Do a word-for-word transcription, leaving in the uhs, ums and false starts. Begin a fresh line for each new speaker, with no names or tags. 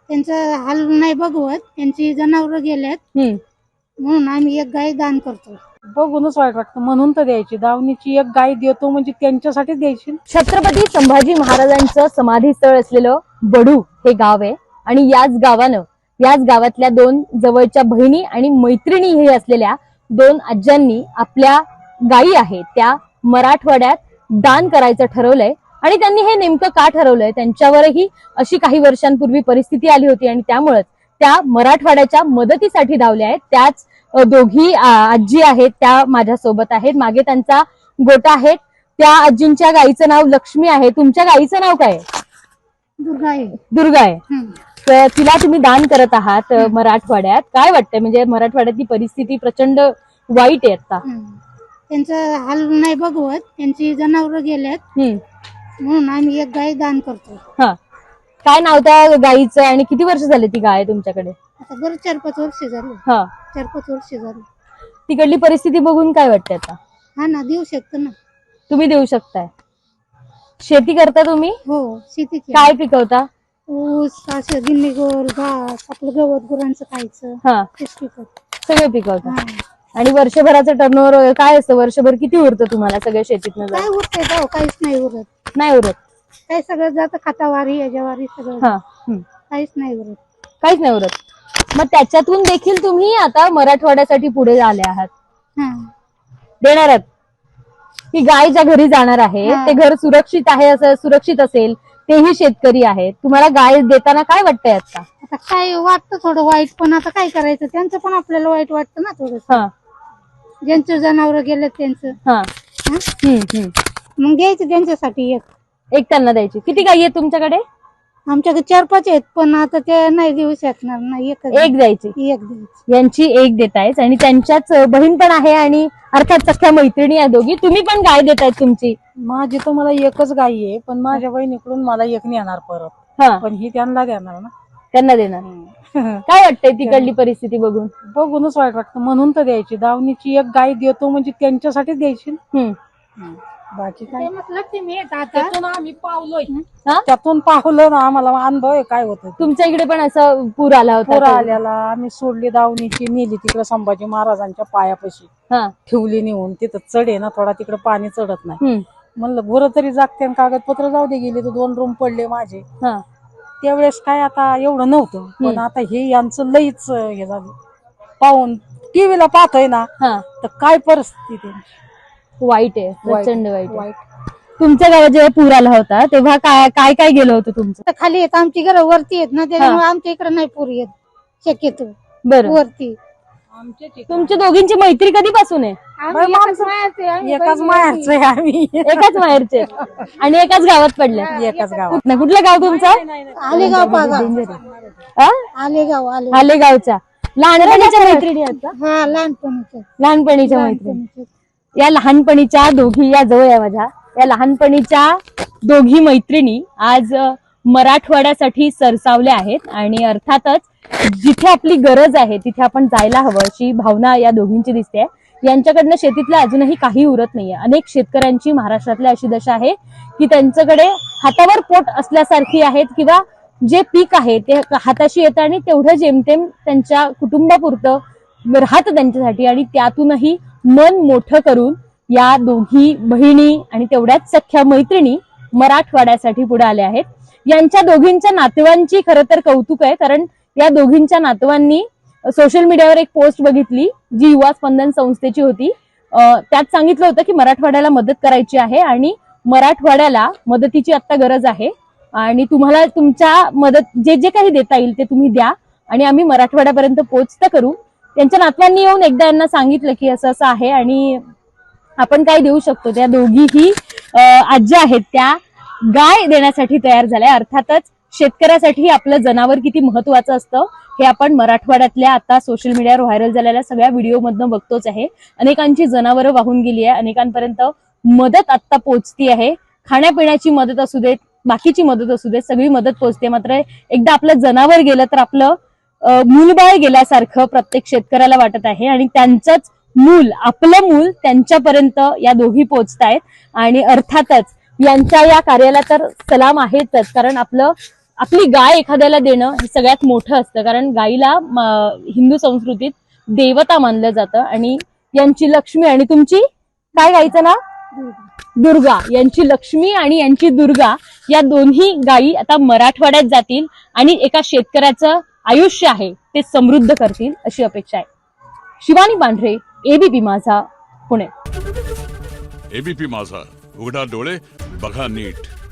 त्यांचं हाल नाही बघवत, त्यांची जनावर गेलेत म्हणून आम्ही एक गाय दान करतो.
बघूनच वाईट वाटतं, म्हणून तर द्यायची. दावणीची एक गाय देतो म्हणजे त्यांच्यासाठीच द्यायची.
छत्रपती संभाजी महाराजांचं समाधीस्थळ असलेलं बडू हे गाव आहे आणि याच गावानं याच गावातल्या दोन जवळच्या बहिणी आणि मैत्रिणी हे असलेल्या दोन आज्यांनी आपल्या गायी आहेत त्या मराठवाड्यात दान करायचं ठरवलंय. आणि त्यांनी हे नेमकं का ठरवलंय, त्यांच्यावरही अशी काही वर्षांपूर्वी परिस्थिती आली होती आणि त्यामुळेच त्या मराठवाड्याच्या मदतीसाठी धावल्या आहेत. त्याच दोघी आजी आहेत त्या माझ्या सोबत आहेत. मागे त्यांचा गोटा आहे. त्या आजींच्या गाईचं नाव लक्ष्मी आहे. तुमच्या गाईचं नाव काय?
दुर्गा आहे.
दुर्गा आहे. तर तिला तुम्ही दान करत आहात मराठवाड्यात. काय वाटतंय, म्हणजे मराठवाड्यातली परिस्थिती प्रचंड वाईट आहे आता.
त्यांचं हाल नाही बघवत, त्यांची जनावर गेलेत म्हणून आम्ही एक गाय दान करतो.
हा, काय नाव त्या गाईचं आणि किती वर्ष झाले ती गाय तुमच्याकडे?
आता बरं चार पाच वर्ष झाली.
हा,
चार पाच वर्ष झाली.
तिकडली परिस्थिती बघून काय वाटतंय आता?
हा ना, देऊ शकतो ना.
तुम्ही देऊ शकताय. शेती करता तुम्ही?
हो, शेती.
काय पिकवता?
ऊस, असं गिन्नी गोर, घास, आपलं गवत गुरांचं खायचं.
हा,
तेच पिकवतो.
सगळं पिकवता. आणि वर्षभराचं टर्नओव्हर काय असतं? वर्षभर किती उरतं तुम्हाला सगळ्या शेतीतनं?
काय उरतंय जाऊ, काहीच नाही उरत.
नाही उरत.
काय सगळं जातं खातावारी याच्यावारी सगळं.
हा,
काहीच नाही उरत.
काहीच नाही उरत. मग त्याच्यातून देखील तुम्ही आता मराठवाड्यासाठी पुढे आले आहात. देणार आहात. ही गाय ज्या घरी जाणार आहे ते घर सुरक्षित आहे, असं सुरक्षित असेल, तेही शेतकरी आहेत. तुम्हाला गाय देताना काय वाटतंय आता?
आता काय वाटतं थोडं वाईट, पण आता काय करायचं, त्यांचं पण आपल्याला वाईट वाटतं ना थोडं. ज्यांचं जनावर गेलं त्यांचं.
हा,
मग घ्यायचं त्यांच्यासाठी एक
एक त्यांना द्यायची. किती गायी आहेत तुमच्याकडे?
आमच्याकडे चार पाच आहेत, पण आता ते नाही देऊ शकणार ना. एक
एक द्यायची.
एक द्यायची.
यांची एक देतायच आणि त्यांच्याच बहीण पण आहे आणि अर्थात सख्या मैत्रिणी आहे दोघी. तुम्ही पण गाय देतायत तुमची?
माझी तर मला एकच गाय आहे, पण माझ्या बहिणीकडून मला एक नेणार परत.
हा,
पण ही त्यांना देणार ना.
त्यांना देणार. काय वाटतंय तिकडली परिस्थिती बघून?
बघूनच वाईट वाटतं, म्हणून तर द्यायची. दावणीची एक गाय देतो म्हणजे त्यांच्यासाठीच द्यायची. बाकी काय त्यातून आम्ही पावलोय, त्यातून पावलं ना, आम्हाला अनुभव आहे काय होतं.
तुमच्या इकडे पण असं पूर आला होता?
पूर आल्याला आम्ही सोडली दावणीची, नेली तिकडे संभाजी महाराजांच्या पायापाशी ठेवली नेऊन. तिथं चढ आहे ना थोडा, तिकडे पाणी चढत नाही. म्हणलं गुरं तरी जागते, कागदपत्र जाऊ दे. गेले तर दोन रूम पडले माझे. त्यावेळेस काय आता एवढं नव्हतं, पण आता हे यांचं लईच हे झालं. पाहून टीव्हीला पाहतोय ना, तर काय परिस्थिती
वाईट आहे, प्रचंड वाईट. तुमच्या गावात जेव्हा पूर आला होता तेव्हा काय काय काय गेलं होतं तुमचं?
खाली येत, आमची घरं वरती येत ना, त्याच्यामुळे आमच्या इकडे नाही पूर येत शक्यतो.
बरं,
वरती.
तुमच्या दोघींची मैत्री कधीपासून आहे?
एकाच माहेरचे आहे आम्ही.
एकाच माहेरचे आणि एकाच गावात पडल्या?
एकाच गावात.
कुठलं गाव तुमचं?
आलेगाव. आलेगाव.
आलेगावच्या लहानपणीच्या मैत्रिणी आहेत का?
हा, लहानपणीच्या.
लहानपणीच्या मैत्रिणी. या लहानपणीच्या दोघी, या जवळ आहे माझ्या, या लहानपणीच्या दोघी मैत्रिणी आज मराठवाड्यासाठी सरसावल्या आहेत. आणि अर्थातच जिथे आपली गरज आहे तिथे आपण जायला हवं अशी भावना या दोघींची दिसते. यांच्याकडनं शेतीतलं अजूनही काही उरत नाहीये. अनेक शेतकऱ्यांची महाराष्ट्रातल्या अशी दशा आहे की त्यांच्याकडे हातावर पोट असल्यासारखी आहेत, किंवा जे पीक आहे ते हाताशी येतं आणि तेवढं जेमतेम त्यांच्या कुटुंबापुरतं राहतं त्यांच्यासाठी. आणि त्यातूनही मन मोठं करून या दोघी बहिणी आणि तेवढ्याच सख्या मैत्रिणी मराठवाड्यासाठी पुढे आल्या आहेत. यांच्या दोघींच्या नातवांची खरं तर कौतुक आहे, कारण या दोघींच्या नातवांनी सोशल मीडियावर एक पोस्ट बघितली जी युवा स्पंदन संस्थेची होती. त्यात सांगितलं होतं की मराठवाड्याला मदत करायची आहे आणि मराठवाड्याला मदतीची आता गरज आहे आणि तुम्हाला तुमच्या मदत जे जे काही देता येईल ते तुम्ही द्या आणि आम्ही मराठवाड्यापर्यंत पोहोचता करू. त्यांच्या नातवांनी येऊन एकदा यांना सांगितलं की असं असं आहे आणि आपण काय देऊ शकतो. त्या दोघीही आज्या आहेत त्या गाय देण्यासाठी तयार झाल्या. अर्थातच शेतकऱ्यासाठी आपलं जनावर किती महत्वाचं असतं हे आपण मराठवाड्यातल्या आता सोशल मीडियावर व्हायरल झालेल्या सगळ्या व्हिडिओ मधनं बघतोच आहे. अनेकांची जनावरं वाहून गेली आहे, अनेकांपर्यंत मदत आता पोहोचती आहे. खाण्यापिण्याची मदत असू देत, बाकीची मदत असू देत, सगळी मदत पोहोचते. मात्र एकदा आपलं जनावर गेलं तर आपलं मूलबाळ गेल्यासारखं प्रत्येक शेतकऱ्याला वाटत आहे आणि त्यांचंच मूल, आपलं मूल त्यांच्यापर्यंत या दोघी पोहोचतायत. आणि अर्थातच यांच्या या कार्याला तर सलाम आहेतच, कारण आपलं आपली गाय एखाद्याला देणं हे सगळ्यात मोठं असतं, कारण गाईला म, हिंदू संस्कृतीत देवता मानलं जातं आणि यांची लक्ष्मी आणि तुमची काय गाईचं नाव दुर्गा, यांची लक्ष्मी आणि यांची दुर्गा या दोन्ही गायी आता मराठवाड्यात जातील आणि एका शेतकऱ्याचं आयुष्य आहे ते समृद्ध करतील अशी अपेक्षा आहे. शिवानी पांढरे, एबीपी माझा, पुणे.
एबीपी माझा, उघडा डोळे बघा नीट.